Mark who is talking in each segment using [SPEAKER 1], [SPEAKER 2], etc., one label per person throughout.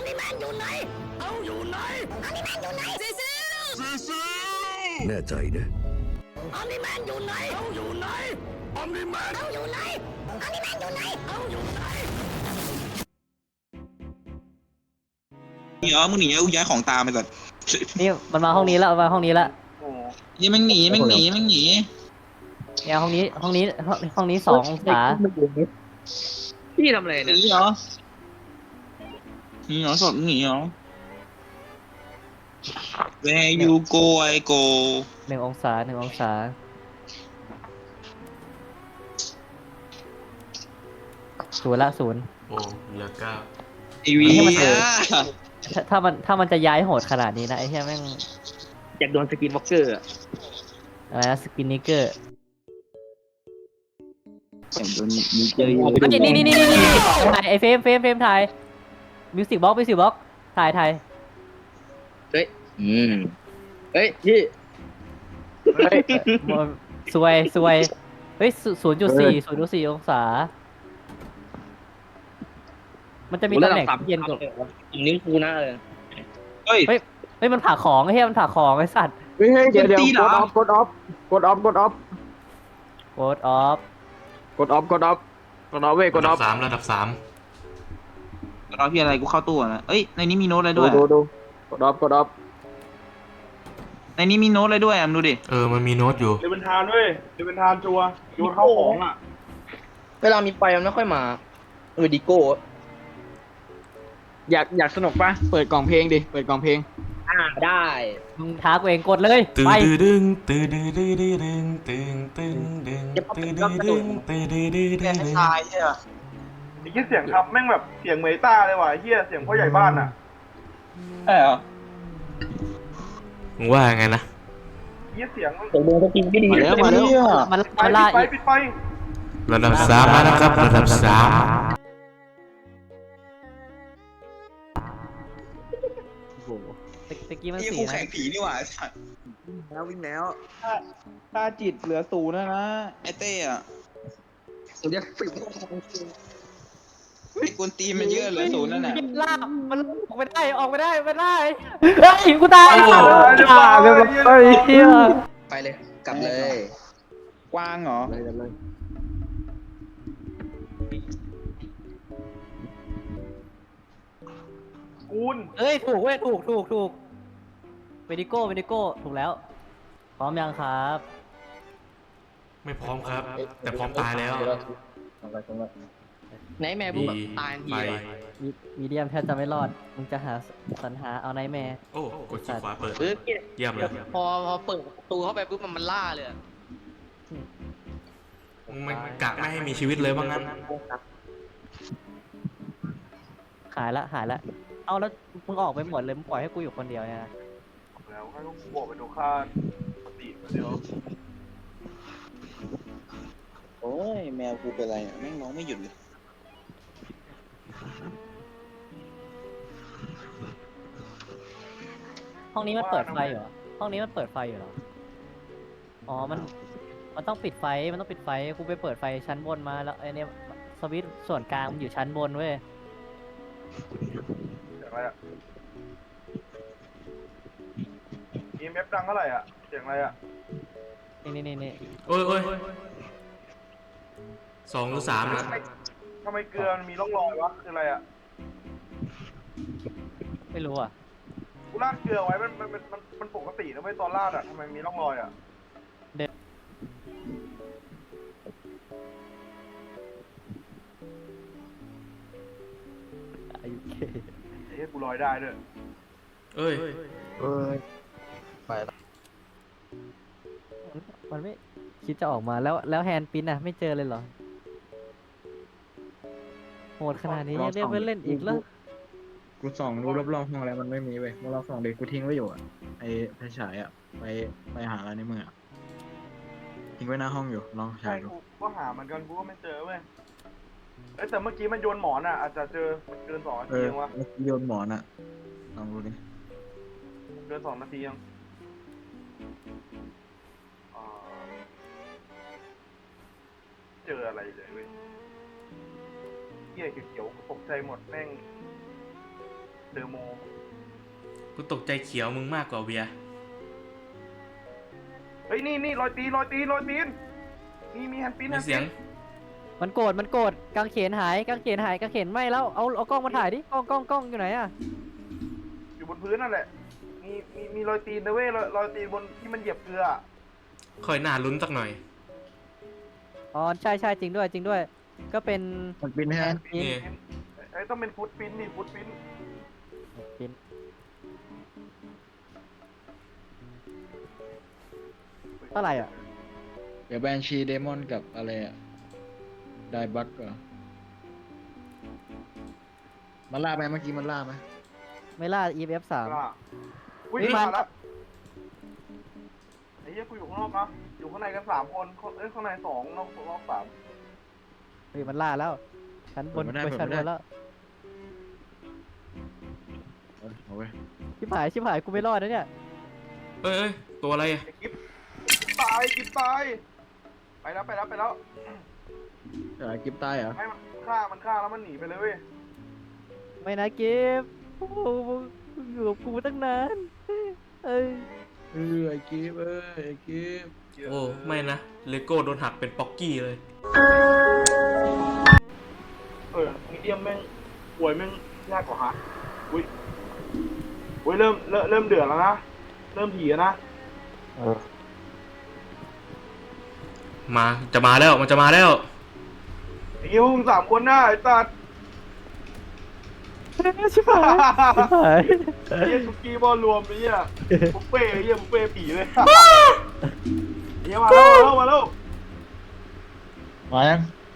[SPEAKER 1] นิแมนอยู่ไหนเอาอยู่ไหนอันนิแมนอยู่ไหนซิแน่ใจนะอันนิแมนอยู่ไหนเอาอยู่ไหนอันนิแมนเอาอยู่ไหนอันนิแมนอยู่ไหนเอาอยู่ไหน
[SPEAKER 2] มึงหนีกูย้ายของตามไปก่อน
[SPEAKER 3] นี่มันมาห้องนี้แล้วมาห้องนี้แล้ว
[SPEAKER 2] ยี่มันหนี
[SPEAKER 3] เนี่ยห้องนี้2 องศา
[SPEAKER 4] พี่ทำอะไร
[SPEAKER 2] ห
[SPEAKER 4] เนี่ย
[SPEAKER 2] นีเหรอสดหนีเหรอ Where you go I go
[SPEAKER 3] 1 องศาศูนย์
[SPEAKER 5] โอ้เหลือเก้า
[SPEAKER 2] ไอวี
[SPEAKER 3] ถ้ามันจะย้ายโหดขนาดนี้นะไอ้เหี้ยแม่ง
[SPEAKER 4] อยากโดนสกินวอล์กเกอร์
[SPEAKER 3] อะไรนะสกินนิเกอร์
[SPEAKER 2] มีเจอ
[SPEAKER 3] นี่ถ่ายไอ้เฟรมถ่ายมิวสิกบล็อกถ่าย
[SPEAKER 4] เฮ้ยพี่
[SPEAKER 3] สวยเฮ้ย0.4 องศามันจะมีตำแหน่งเย็นกว่า
[SPEAKER 4] นิ้วกูนะ
[SPEAKER 2] เฮ้ย
[SPEAKER 3] เฮ้ยมันผ่าของไอ้เหี้ยมันผ่าของไอ้สัตว์
[SPEAKER 6] เฮ้ยเดี๋ยวกดออฟเว้ยกดออฟ
[SPEAKER 5] ระดับสาม
[SPEAKER 2] รอพี่อะไรกูเข้าตู้นะเอ้ยในนี้มีโน้ตอะไรด้วย
[SPEAKER 6] ดูกดออฟ
[SPEAKER 2] ในนี้มีโน้ตอะไรด้วยมึงดูดิ
[SPEAKER 5] มันมีโน้ตอยู่
[SPEAKER 6] เดวินทานเว้ยเดวินทานจัวโยนเข้าของอ่ะ
[SPEAKER 4] เวลามีไฟมันไม่ค่อยมาดิโก้
[SPEAKER 6] อยากสนุกปะเปิดกล่องเพลงดิเปิดกล่องเพลง
[SPEAKER 4] ได้
[SPEAKER 3] มึงท้ากูเองกดเลย
[SPEAKER 5] ตื่น
[SPEAKER 3] ไป
[SPEAKER 5] ดึงตื่นดึงตื่นดึงตื่นดึง
[SPEAKER 2] แค่ทายใช่ป่ะ
[SPEAKER 6] ไอ้เหี้ยเสียงครับแม่งแบบเสียงเมตาเลยว่ะไอ้เหี้ยเสียงพ่อใหญ่บ้านอ่ะ
[SPEAKER 2] ใช่เหรอ
[SPEAKER 5] มึงว่าไงนะ
[SPEAKER 6] เหี้ยเสียงมัน
[SPEAKER 4] ผมดูสกินไม่ดี
[SPEAKER 2] มาแล้ว
[SPEAKER 3] มันล่าอีก
[SPEAKER 6] ปิดไฟ
[SPEAKER 5] ระดับสามมาแล้วครับระดับสาม
[SPEAKER 3] ตะกี้มัน
[SPEAKER 2] นี่
[SPEAKER 3] สี
[SPEAKER 2] กู
[SPEAKER 3] นะ
[SPEAKER 2] แข่งผีนี่หว่าสัตว์
[SPEAKER 6] แล้ววิ่งแล้ว
[SPEAKER 7] ค่าจิตเหลือ0แล้วนะ
[SPEAKER 2] ไอเต้อะ
[SPEAKER 4] ผมจะฝึก
[SPEAKER 2] ไอ้กวนตีนมันเยอะเหลือ0นั่นน่ะ
[SPEAKER 3] ล่ามันออกไม่ได้ไม่ได้เฮ้ยกูตาย เหี้ย
[SPEAKER 4] ไปเลยกลับเลย
[SPEAKER 7] กว้างเหรอ
[SPEAKER 6] กูน
[SPEAKER 3] เอ้ยถูกเว้ยถูกเวดิโก้ถูกแล้วพร้อมยังครับ
[SPEAKER 5] ไม่พร้อมครับ แต่พร้อมตายแล้ว
[SPEAKER 4] ไหนแม่บุ๊กตายที
[SPEAKER 5] ไป
[SPEAKER 3] มีเดียมแทบจะไม่รอดมึงจะสรรหาเอาไนท์แมร์
[SPEAKER 5] โอ้กดขี้ขวาเปิด
[SPEAKER 4] ปึ๊บ
[SPEAKER 5] เยี่ยมเลย
[SPEAKER 4] พอเปิดประตูเข้าไปปุ๊บมันล่าเลย
[SPEAKER 5] มันกะไม่ให้มีชีวิตเลยว่างั้น
[SPEAKER 3] หายละเอาแล้วมึงออกไปหมดเลยมึงปล่อยให้กูอยู่คนเดียวเนี่ยนะ
[SPEAKER 6] แล้วให้ต้องบวกไปดูค่าปกติเดียว
[SPEAKER 2] โอ้ยแมวกูเป็นไรแม่งน้องไม่หยุดเลย
[SPEAKER 3] ห้องนี้มันเปิดไฟเหรอห้องนี้มันเปิดไฟอยู่เหรออ๋อมันต้องปิดไฟกูไปเปิดไฟชั้นบนมาแล้วไอเนี่ยสวิตช์ส่วนกลางมันอยู่ชั้นบนเว้ย
[SPEAKER 6] เสียงอะไรอ่ะ EMF ดังเท่าไหร่อ่ะเสียงอะไรอ่ะ
[SPEAKER 3] นี่
[SPEAKER 5] โอ้ย2 หรือ 3นะ
[SPEAKER 6] ทำไมเกลือมันมีร่องรอยวะคืออะไรอ่ะ
[SPEAKER 3] ไม่รู้อ่ะ
[SPEAKER 6] กูราดเกลือไว้มันปกตินะไม่ตอนราดอ่ะทำไมมีร่องรอยอ่ะ
[SPEAKER 3] ไอ้เค
[SPEAKER 6] ไอ้เหี้ยกูลอยได้ด้วย
[SPEAKER 5] เอ้ย
[SPEAKER 3] มันไม่คิดจะออกมาแล้วแฮนด์ปิ้นอ่ะไม่เจอเลยเหรอโหดขนาดนี้ยังเรียกว่าเล่นอีกแล้ว
[SPEAKER 7] กูส่องดูรอบๆห้องแล้วมันไม่มีเว้ยเมื่อเราส่องเด็กกูทิ้งไว้อยู่อ่ะไอ้ไฟฉายอ่ะไปหาอะไรในมืออ่ะทิ้งไว้หน้าห้องอยู่ลอง
[SPEAKER 6] ใช่
[SPEAKER 7] ฉายดู
[SPEAKER 6] กูก็หาเหมือนกันกูก็ไม่เจอเว้ยเอ้ยแต่เมื่อกี้มันโยนหมอนอ่ะอาจจะเจอมันเกิน2 นาทียังวะ
[SPEAKER 7] โยนหมอนอ่ะลองดูดิ
[SPEAKER 6] เกิน2 นาทียังเจออะไรเลยเว้ยเหี้ยเขียวๆตกใจหมดแม่งอโม
[SPEAKER 5] กูตกใจเขียวมึงมากกว่าเบียร์
[SPEAKER 6] เฮ้ยนี่รอยตีนมีแฮนด์ปิ้น
[SPEAKER 5] มีเสียง
[SPEAKER 3] มันโกรธกางเขนหายกางเขนไหม้แล้วเอากล้องมาถ่ายดิกล้องอยู่ไหนอะ
[SPEAKER 6] อยู่บนพื้นนั่นแหละมีรอยตีนนะเว้ยรอยตีนบนที่มันเหยียบเกลือ
[SPEAKER 5] ค่อยหน้าลุ้นสักหน่อย
[SPEAKER 3] อ๋อใช่จริงด้วยก็เป็น
[SPEAKER 7] มันบินแฮน
[SPEAKER 3] ปิ้น
[SPEAKER 5] นี่
[SPEAKER 6] ไอ้ต้องเป็นฟุตปิ้นนี่ฟุตปิ้น
[SPEAKER 3] ปิ้นเท่าไหร่อ่ะ
[SPEAKER 7] เดี๋ยวแบนชีเดมอนกับอะไรอะไดบักเหรอมันล่าไหมเมื่อกี้มันล่าไหม
[SPEAKER 3] ไม่ล่า EF 3
[SPEAKER 6] ล่ะอุ้ย
[SPEAKER 3] เฮ้ย
[SPEAKER 6] มาแล้วไอ้เหี้ยกูอยู่ข้างนอกนะอยู่ข้างในกัน3 คนข้างใน2นอก3
[SPEAKER 3] เฮ้ยมันล่าแล้วชั้นบนไปชั้นบนแล้ว
[SPEAKER 7] เอาเว้ย
[SPEAKER 3] ชิบหายกูไม่รอดนะเนี่ย
[SPEAKER 5] เอ้ยตัวอะไรอะ
[SPEAKER 6] ไอ้กิ๊บตายไปแล้ว
[SPEAKER 7] เดี๋ยวไอ้กิฟตายเหรอ
[SPEAKER 6] ให้มันฆ่าแล้วมันหนีไปเลยเว้ย
[SPEAKER 3] ไม่นะเก็บโอ้โหมึงอยู่กับกูตั้งนานเอ้ย
[SPEAKER 7] ไอ้กิฟไอ้กิฟ
[SPEAKER 5] โอ้ไม่นะเลโก้โดนหักเป็นป๊อกกี้เลย
[SPEAKER 6] มีเดียมแม่งป่วยแม่งยากกว่าฮะอุ้ยเริ่มเดือดแล้วนะเริ่มถี่แล้วนะ
[SPEAKER 5] มันจะมาแล้ว
[SPEAKER 6] ไอ้เหี้ยพวกมึง3 คนนะไอ้ตัด
[SPEAKER 3] ชิบหาย
[SPEAKER 6] ไอ้เหี้ยสุกี้บอลรวมไอ้เหี้ยบุฟเฟ่ไอ้เหี้ยบุฟเฟ่ผีเลยไอ้เหี้ยมาแล้ว
[SPEAKER 7] มายัง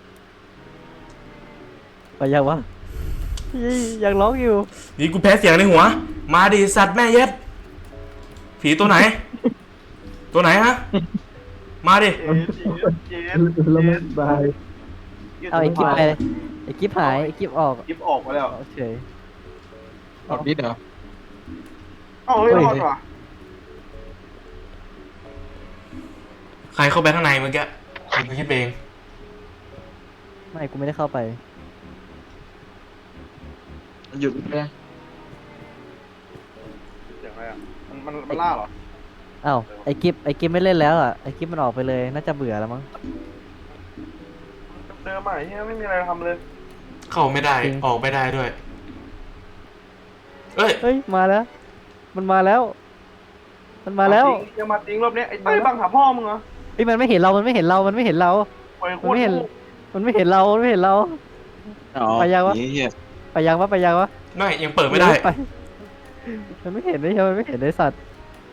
[SPEAKER 3] ไปยังวะยังร้องอยู่
[SPEAKER 5] นี่กูแพ้เสียงในหัว มาดิสัตว์แม่เย็ด ผีตัวไหน ตัวไหนฮะ มาดิ
[SPEAKER 6] เย็น
[SPEAKER 7] แล้วมันบาย
[SPEAKER 3] เอาไอ้กิ๊บไปไอ้กิ๊บหายไอ้กิ๊บออก
[SPEAKER 6] กิ๊บออกไปแล้ว
[SPEAKER 3] โอเค
[SPEAKER 7] ออกนิดเหรอ
[SPEAKER 6] เอ้าเฮ้ยรอดว่ะ
[SPEAKER 5] ใครเข้าไปข้างในเมื่อกี้กูคิดเอง
[SPEAKER 3] ไม่กูไม่ได้เข้าไป
[SPEAKER 7] หยุดเลย
[SPEAKER 6] เสียงอะไรอ่ะมันล่าเหรอ
[SPEAKER 3] อ้าวไอ้กิ๊บไม่เล่นแล้วอ่ะไอ้กิ๊บมันออกไปเลยน่าจะเบื่อแล้วมั้ง
[SPEAKER 6] เดิมใหม่เฮียไม่มีอะไรทำเลย
[SPEAKER 5] เข้าไม่ได้
[SPEAKER 3] จริง
[SPEAKER 5] ออกไม่ได้ด้วย เอ้ย
[SPEAKER 3] เฮ้ยมาแล้ว มันมาแล้ว
[SPEAKER 6] ยังมาจริงรอบนี้ไอ้เต้ยบังหาพ่อมึงเหรอ
[SPEAKER 3] เฮ้ยมันไม่เห็นเรา
[SPEAKER 6] ปล่อยโค
[SPEAKER 3] มันไม่เห็นเรา
[SPEAKER 6] ตร
[SPEAKER 3] มันไม่เห็นเรา
[SPEAKER 7] อ๋อ
[SPEAKER 3] ไปยังวะ
[SPEAKER 7] เหี้ย
[SPEAKER 3] ไปยังวะ
[SPEAKER 5] ไม่ยังเปิดไม่ได้
[SPEAKER 3] ปมันไม่เห็นมันไม่เห็นไอ้สัตว์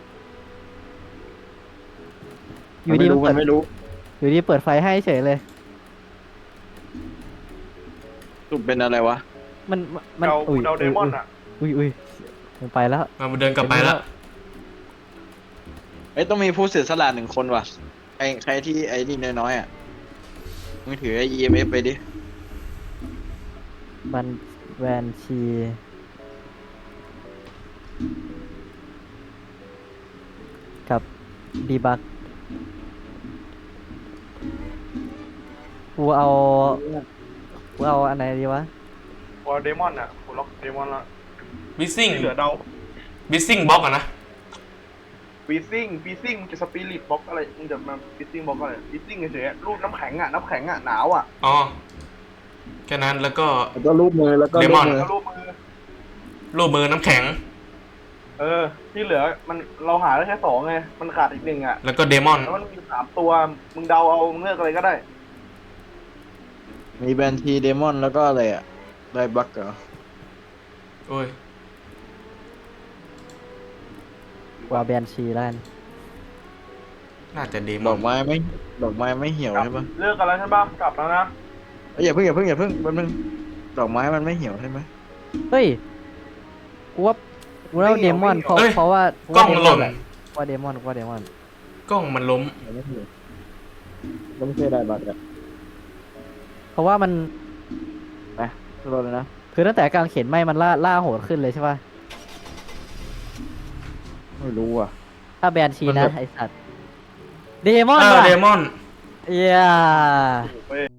[SPEAKER 3] อยู่ดีมัน
[SPEAKER 7] ไม่รู้
[SPEAKER 3] อยู่ดีเปิดไฟให้เฉยเลย
[SPEAKER 7] ตุ่มเป็นอะไรวะ
[SPEAKER 3] มัน
[SPEAKER 6] เดาเดมอนอ่ะ
[SPEAKER 3] อุ้ยมันไปแล้ว
[SPEAKER 5] มันเดินกลับไปแล้ว
[SPEAKER 7] เอ้ยต้องมีผู้เสียสละ1 คนว่ะใครที่ไอ้นี่น้อยๆอ่ะมึงถือไอ้ EMF ไปดิ
[SPEAKER 3] บันแวนชีกับดีบักกูเอาอันไหนดีวะ
[SPEAKER 6] พอเดมอนอ่ะกูล็อกเดมอนละ
[SPEAKER 5] บิสซิ่ง
[SPEAKER 6] เหลือเดา
[SPEAKER 5] บิสซิ่งบล็อกอะนะ
[SPEAKER 6] ฟีซิ่งมึงจะสปิริตบล็อกอะไรมึงจะมาฟีซิ่งบล็อกอะไรฟีซิ่งเฉยๆรูปน้ำแข็งอ่ะหนาวอ่ะ
[SPEAKER 5] อ๋อ แค่นั้นแล้วก็
[SPEAKER 7] แล้วก็รูปมือแล้วก็
[SPEAKER 5] เดมอน
[SPEAKER 6] แล้วรูปมือ
[SPEAKER 5] รูปมือน้ำแข็ง
[SPEAKER 6] ที่เหลือมันเราหาได้แค่2ไงมันขาดอีก1อ่ะ
[SPEAKER 5] แล้วก็เดมอน
[SPEAKER 6] แล้วมันมี3ตัวมึงเดาเอามึงเลือกอะไรก็ได้
[SPEAKER 7] มีแบนทีเดมอนแล้วก็อะไรอ่ะไดบักเหรอ
[SPEAKER 5] โอ้ย
[SPEAKER 3] ว่าแบนชีแล้วกัน
[SPEAKER 5] น่าจะเดม
[SPEAKER 7] ด
[SPEAKER 5] อ
[SPEAKER 7] อน กไม้ไม่เหี่ยวใช่ปะ
[SPEAKER 6] เลือกกันแล้วใช่ปะกลับแล้วนะ
[SPEAKER 7] เอ้ยอย่าเพิ่งแป๊บนึงดอกไม้มันไม่เหี่ยวใช่ไหม
[SPEAKER 3] เฮ้ยกูว่าเดมอนเพราะว่าก
[SPEAKER 5] ล้องหล่น
[SPEAKER 3] ว่าเดมอน
[SPEAKER 5] กล้องมันล้ม
[SPEAKER 7] ไม่เหี่ยวไม่ใช่ไดบักอ่ะ
[SPEAKER 3] เพราะว่ามัน
[SPEAKER 7] ไปรอเลยนะ
[SPEAKER 3] คือตั้งแต่กลางเข็นไหมมันล่าโหดขึ้นเลยใช่ป่ะ
[SPEAKER 7] ไม่รู้อ่ะ
[SPEAKER 3] ถ้าแบนชี
[SPEAKER 5] มัน
[SPEAKER 3] นะ
[SPEAKER 5] แบบ
[SPEAKER 3] ไอสัตว์เดมอน
[SPEAKER 5] เดมอน
[SPEAKER 3] เย้
[SPEAKER 6] เว้ย